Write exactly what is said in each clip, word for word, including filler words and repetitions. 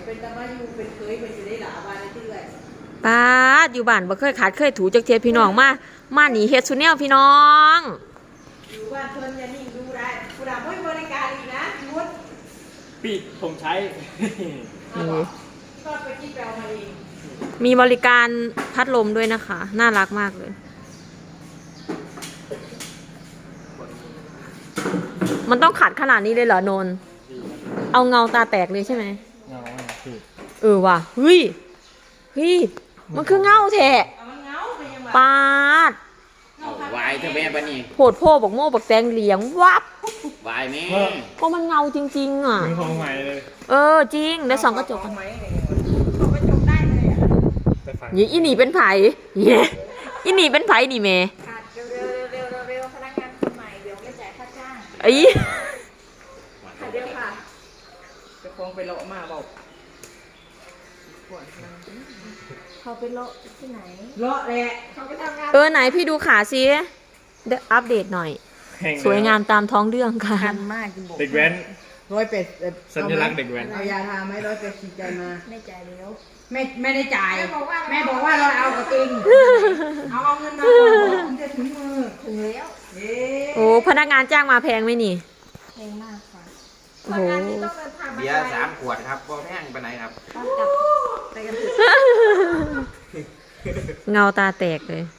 เป็นตะมาอยู่เป็นเคยเป็นจะได้หลาบ้านได้ที่เลยป้าอยู่บ้านบ่เคยขาดเคยถูจักเทียพี่น้องมามาหนีเฮ็ดซุแนวพี่น้องอยู่บ้านเพิ่นอย่านิ่งดูได้ผู้ดาไม่บริการอีกนะยุดปิดผมใช้นี่ก็ไปที่แปลมาเองมีบริการพัดลมด้วยนะคะน่ารักมากเลยมันต้องขัดขนาดนี้เลยเหรอโนนเอาเงาตาแตกเลยใช่ไหมเงาคือเออว่ะเฮ้ยเฮ้ยมันคือเงาแท้ปาดวายเธอแม่ปะนี่โผดโพบอกโม่บอกแตงเหลียงวับวายแม่ก็มันเงาจริงๆอ่ะมือของใหม่เลยเออจริงเดี๋ยวส่องกระจกกันส่องกระจกได้เลยอ่ะยี่อีนี่เป็นไผ่เย้อีนี่เป็นไผ่นี่เมย์เร็วเร็วเร็วเร็วพนักงานคนใหม่เดี๋ยวไม่จ่ายค่าจ้างไอ้ค่ะเดี๋ยวค่ะจะคงไปโลมาบอกเขาไปโลที่ไหนโลแหละเขาไปทำงานเออไหนพี่ดูขาซิเดี๋ยวอัปเดตหน่อยสวยงามตามท้องเรื่องค่ะคันมากจริงบอกเด็กแว้นร้อยเป็ดสัญลักษณ์เด็กแว้นเอายาทาไหมร้อยเป็ดฉีดใจมาไม่จ่ายแล้วไม่ไม่ได้จ่ายแม่บอกว่าเราเอากระติงเอาเอาเงินมาก่อนจะถึงมือถึงแล้วโอ้พนักงานจ้างมาแพงไหมนี่แพงมากค่ะโอ้โหเบียร์สามขวดครับบ่แพงไปไหนครับไปกันเถอะเงาตาแตกเลย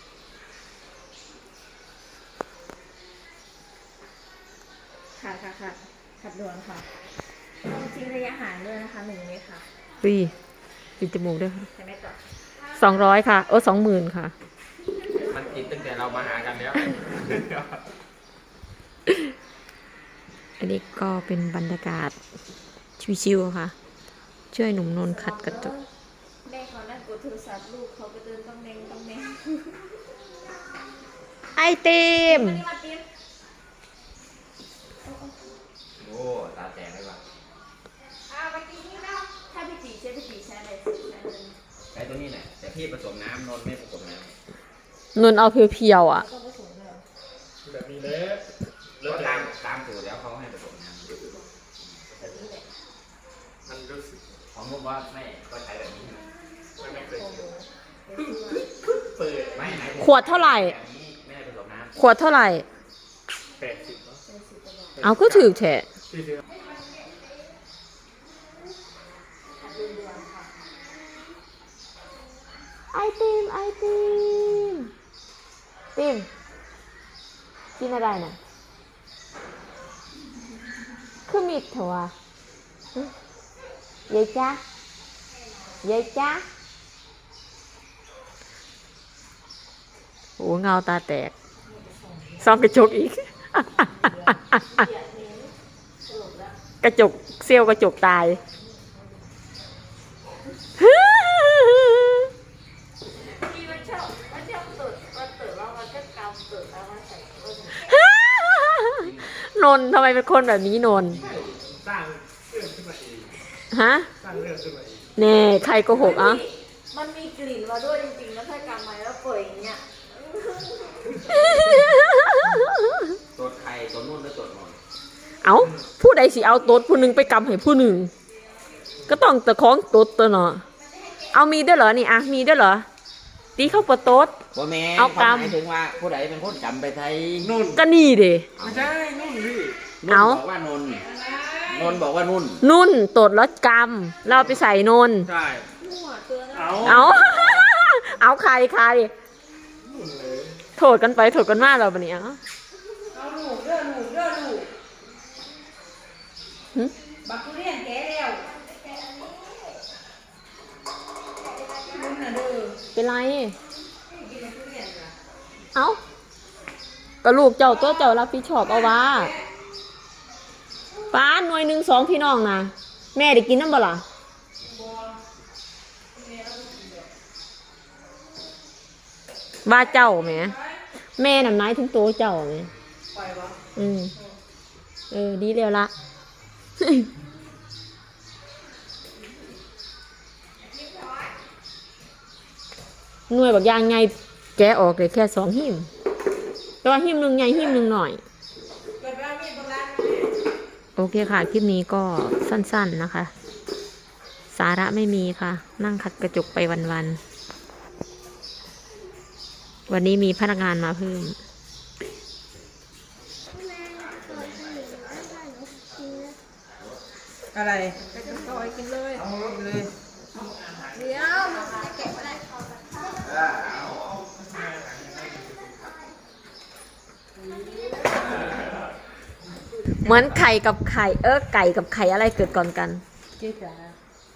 ค่ะค่ะค่ะขัดด่วนค่ะทิ้งระยะห่างด้วยนะคะหนึ่งเมตรค่ะปีปิดจมูกด้วยค่ะใช่ไหมต่อสองร้อยค่ะเออสองหมื่นค่ะมันติดตั้งแต่เรามาหากันแล้วอันนี้ก็เป็นบรรยากาศชิวๆค่ะช่วยหนุ่มนนท์ขัดกระจกแม่เขานั่งกดโทรศัพท์ลูกเขาก็เดินต้องเน่งต้องเน่งไอติมโอ้ตาแตกเลยว่ะอ้าวไปกินนี่แล้วถ้าพี่จีใช้พี่จีใช้อะไรใช้ตัวนี้แหละแต่พี่ผสมน้ำนนไม่ผสมน้ำนนเอาเพียวๆอ่ะแบบนี้เลยแล้วตามตามสูตรแล้วเขาให้ผสมน้ำมันรู้สึกของผมว่าไม่ก็ใช้แบบนี้มันไม่เคยเปิดไม่ไหนขวดเท่าไหร่ไม่ได้ผสมน้ำขวดเท่าไหร่แปดสิบเอาก็ถือแฉะไอติมไอติมติมกินอะไรน่ะคือมิดเถอะวะยายจ้ายายจ้าโอ้เงาตาแตกซ่อมกระจกอีกกระจกเซี่ยวกระจกตายนนทำไมเป็นคนแบบนี้นนสร้างเรื่องขึ้นมาเองฮะสร้างเรื่องขึ้นมาเองเน่ใครโกหกอ่ะมันมีกลิ่นมาด้วยจริงๆแล้วถ้ากำไว้แล้วเปิดอย่างเงี้ยตัวใครตัวนู่นหรือตัวนนเอาผู้ใดสิเอาตดผู้หนึ่งไปกำให้ผู้หนึ่งก็ต้องตะคองตดตัวเนาะเอามีด้วยเหรอนี่อ่ะมีด้วยเหรอตีเข้าปะตดบ่แม่เอากำหมายถึงว่าผู้ใดเป็นคนกำไปไทยนุ่นก็นี่เด้ไม่ใช่นุ่นพี่เอาบอกว่านนนนบอกว่านุ่นนุ่นตดแล้วกำเราไปใส่นนใช่เอาเอาเอาใครใครโถดกันไปโถดกันมาเราปะเนี่ยเอาหนูเด้อหนูเด้อหนูบักทุเรียนแก่แล้วนุ่นน่ะเด้อเป็นไรเอ้าก็ลูกเจ้าตัวเจ้ารับผิดชอบเอาว่าป้าหน่วยหนึ่งสองพี่น้องนะแม่ได้กินน้ำบ่ล่ะว่าเจ้าแม่แม่น่ะนายถึงโตเจ้าแม่อืมเออดีเร็วละหน่วยบักยางไงแกะออกเลยแค่สองหิมแต่ว่าหิมหนึ่งใหญ่หิมหนึ่งหน่อยโอเคค่ะคลิปนี้ก็สั้นๆนะคะสาระไม่มีค่ะ นั่งขัดกระจกไปวันๆวันนี้มีพนักงานมาเพิ่มอะไรไปกันต่อยกินเลยเอารถเลยเดี๋ยวมันจะเก็บอะไรเหมือนไข่กับไข่ เออไก่กับไข่อะไรเกิดก่อนกันเจ๊จ๋า